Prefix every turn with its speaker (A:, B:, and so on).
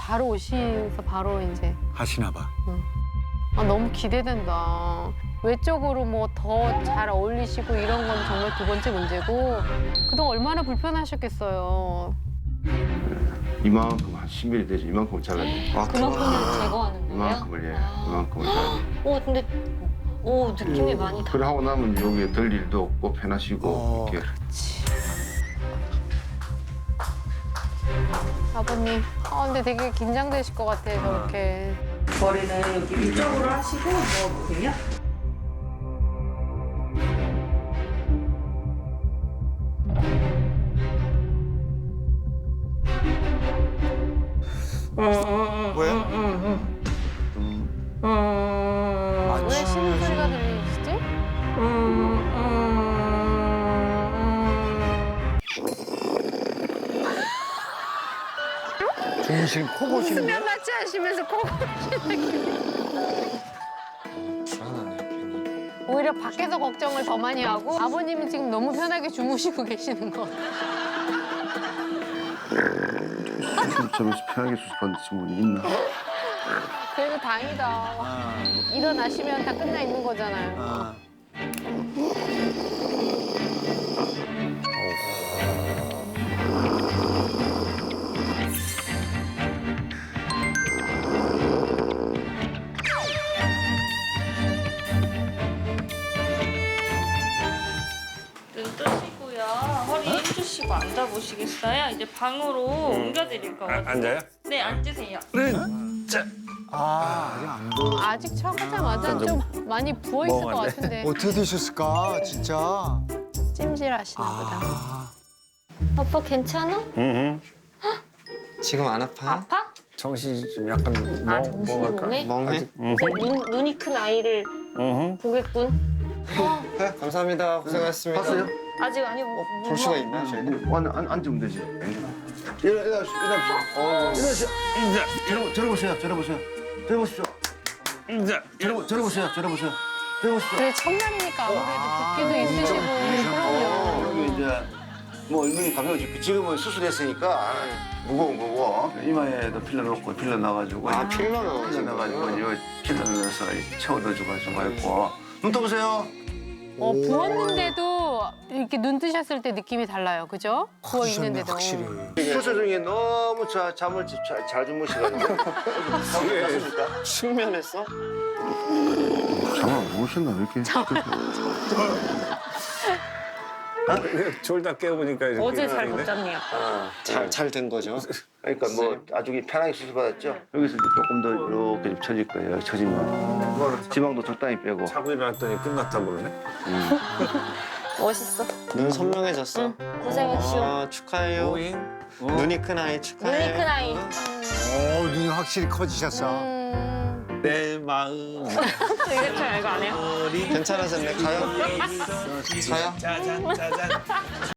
A: 바로 오시면서 바로 이제.
B: 하시나 봐.
A: 아, 너무 기대된다. 외적으로 뭐 더 잘 어울리시고 이런 건 정말 두 번째 문제고 그동안 얼마나 불편하셨겠어요.
C: 이만큼 한 10mm 되죠. 이만큼을 잘라야 돼.
D: 그만큼을 제거하는 거예요?
C: 이만큼을 이만큼을 잘라야 돼.
D: 근데 느낌이 많이
C: 그래 하고 나면 여기에 덜 일도 없고 편하시고 이렇게.
A: 아버님. 근데 되게 긴장되실 것 같아, 저렇게.
E: 머리는 여기 위쪽으로 하시고 누워보세요.
B: 왜?
A: 왜 쉬는 소리가 들리시지?
B: 중심 코 고시는 거야?
A: 수면 마취 하시면서 코 고시는 오히려 밖에서 걱정을 더 많이 하고 아버님은 지금 너무 편하게 주무시고 계시는 거.
C: 수술점에서 편하게 수술받는 친구는 있나?
A: 그래도 다행이다. 일어나시면 다 끝나 있는 거잖아요.
D: 눈 뜨시고요. 허리 힘주시고 앉아보시겠어요? 이제 방으로 옮겨드릴 거거든요.
F: 앉아요?
D: 네, 앉으세요.
B: 아직 안 보여.
A: 아직 처음하자마자 좀 많이 부어 있을 것 같은데
B: 어떻게 되셨을까, 진짜?
A: 찜질하시나 보다.
D: 아빠 괜찮아?
F: 응.
G: 지금 안 아파요?
D: 아파?
F: 정신이 좀 약간
D: 정신이 멍해?
G: 멍해?
D: 이제 눈이 큰 아이를
F: 응.
D: 보겠군.
G: 네, 감사합니다. 고생하셨습니다.
C: 봤어요?
D: 아직 아니
G: 볼 수가 있나 저희는?
C: 앉으면 되지. 일어나십시오. 저러보세요. 저러보십시오. 저러보세요.
A: 그래 첫날이니까 아무래도 붓기도 있으시고 그럼요.
C: 여기 이제 뭐 얼굴이 가벼워지고 지금은 수술했으니까 무거운 거고 이마에도 필러 넣고 필러 넣어가지고
G: 아, 필러 넣어서.
C: 필러 넣어가지고 이거 필러 넣어서 채워 넣어주고 있고 눈 떠보세요.
A: 부었는데도 이렇게 눈 뜨셨을 때 느낌이 달라요, 그죠? 부어 있는데도.
B: 확실히.
C: 수술 중에 너무 잠을 잘 주무시거든요. 맞습니까?
G: 숙면했어?
C: 잠을 못 오셨나 왜 이렇게?
F: 졸다 깨어보니까 이렇게
D: 어제 잘 못
F: 일어나네.
D: 잤니 아빠?
G: 잘 된 거죠?
C: 그러니까 뭐 아주 편하게 수술 받았죠. 여기서 이제 조금 더 이렇게 좀 처질 거예요. 처지면 지방도 적당히 빼고.
F: 자고 일어났더니 끝났다 그러네.
D: 멋있어.
G: 눈 선명해졌어?
D: 고생했슈.
G: 축하해요.
F: 오잉.
G: 눈이 큰 아이 축하해.
D: 눈이 큰 아이.
B: 눈이 확실히 커지셨어.
F: 내 마음.
D: 이렇게 알고 안 해요?
G: 괜찮아졌네. 가요? 가요?
F: 짜잔 짜잔.